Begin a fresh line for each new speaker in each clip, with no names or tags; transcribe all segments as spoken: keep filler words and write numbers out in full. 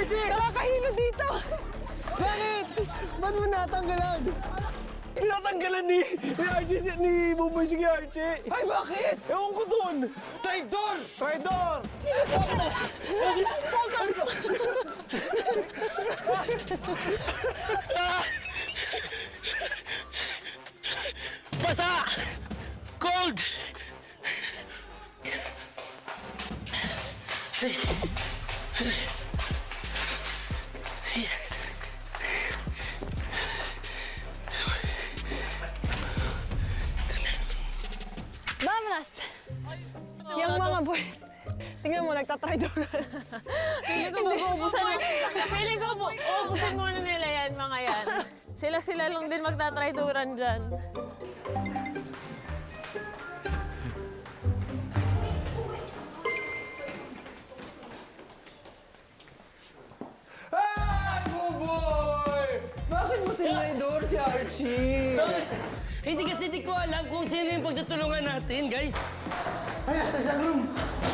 Archie!
Nakakahilo dito!
Bakit? Ba't mo natanggalan?
Pinatanggalan ni, ni Archie, si- ni Buboy si Archie.
Ay, bakit?
Ewan ko dun.
Traidor! Traidor!
Basa! Cold!
Vamanas! Yung mga boys, tingnan mo, nagtatraidoran.
Feeling ko mag-uubusan mo. Feeling ko po, uubusin muna nila yan, mga yan. Sila-sila lang din magtatraiduran dyan.
Ay, Buboy! Bakit mo tinaydor si Archie?
Hindi kasi di ko alam kung sino yung pagtutulungan natin, guys.
Ay, nasa isang room!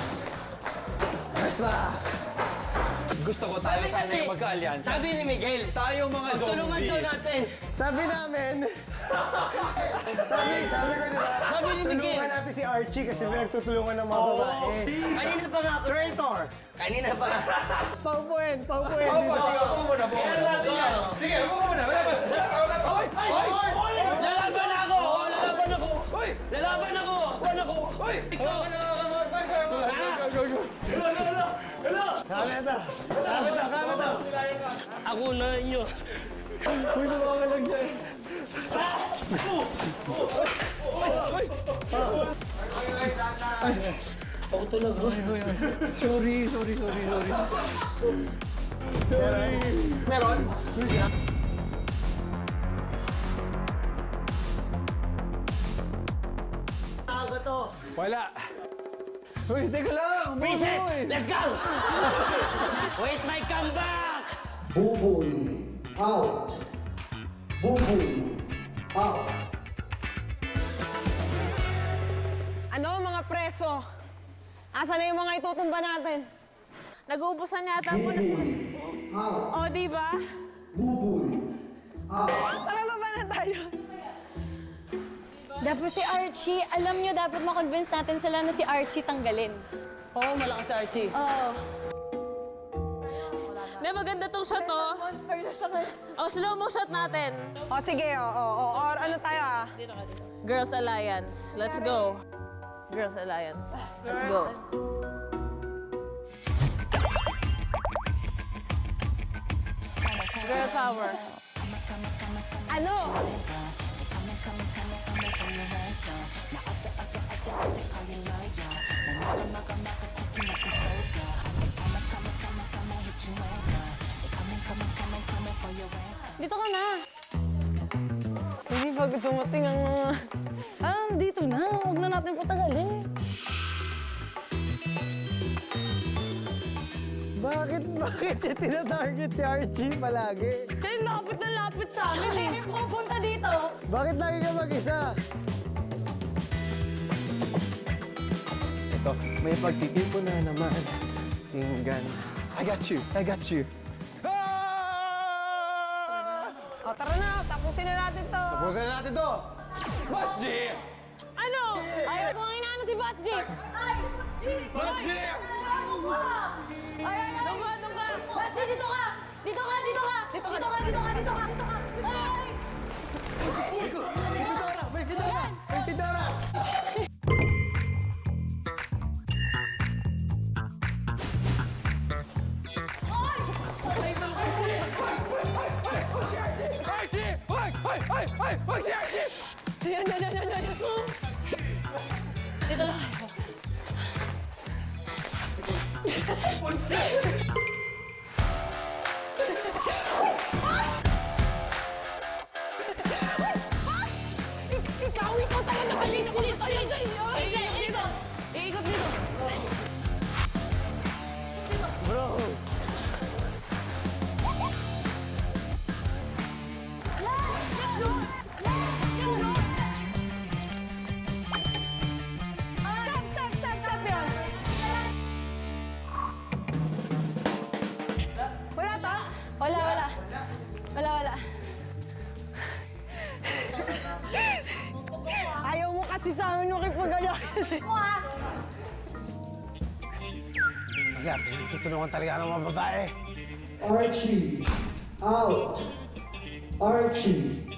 Mas ba?
Gusto ko tayo sana yung magka-alyansa.
Sabi ni Miguel,
Tayo mga
tulungan
zombie.
daw natin.
Sabi namin, sabi, sabi ko diba,
Sabi ni Miguel.
tulungan natin si Archie kasi pinagtutulungan ng mga babae.
Kanina pa nga ako. Traitor! Kanina pa nga.
Paupuin, paupuin.
Ako,
dito.
sige, ako muna, ako muna. Sige, ako muna. Wala ba? Wala ba? Wala ba? Hoy!
Hoy! Hoy!
Lalaban ako! Lalaban ako!
Hoy!
Lalaban ako! Lalaban ako!
Hoy!
Kameta! Kameta! Kameta!
Ako na inyo.
Uy, tumawa lang dyan.
Ako talaga.
Sorry, sorry, sorry, sorry.
Meron?
Aga to.
Wala.
Uy, teka lang.
Reset!
Buboy.
Let's go! Wait my comeback!
Buboy out. Buboy out.
Ano, mga preso? Asa na yung mga itutumba natin?
Nag-uubusan yata po na sila. O, di ba?
Buboy out.
Tara, baba na tayo.
Dapat si Archie, alam nyo, dapat makonvince natin sila na si Archie tanggalin.
Oo, oh, malakas si Archie.
Oo.
Di, maganda tong shot, oh.
Monster na siya ngayon.
O, slow mo shot natin.
O, sige, o, o, o, or ano tayo ah?
Girls Alliance. Let's go. Girls Alliance. Let's go. Girl power.
Ano?
Dito ka na.
Hindi bago dumating ang mga...
Ah, dito na. Huwag na natin patagalin.
Bakit, bakit siya tinatarget si Archie palagi?
Siya yung lapit na lapit sa amin eh. Pupunta dito.
Bakit lagi ka mag-isa? Ito, may pagtitipo na naman. Tinggan. I got you, I got you.
O, tara na, tapusin na natin to.
Tapusin na natin to.
Boss G!
Ano?
Ayaw ko nga inaano si Boss G. Ay, Boss G!
Boss G!
Ay, ay, ay!
Doon ka, doon ka.
Boss G, dito ka! Dito ka, dito ka! Dito ka, dito ka, dito ka, dito ka! Dito ka! Ay!
May Fedora, may Fedora, may Fedora.
Archie! Hoy! Hoy! Hoy! Hoy! Hoy! Si Archie!
Yan, yan, yan, yan, yan.
Dito lang.
Ikaw, ikaw talaga kanina ko dito. Dito,
Dito, dito. Iikot dito.
Bro,
Stop, stop, stop, stop yun. kasi sa amin makipag-alala.
Mo ah.
Wala, tutulungan talaga ng mga babae.
Archie, out. Archie,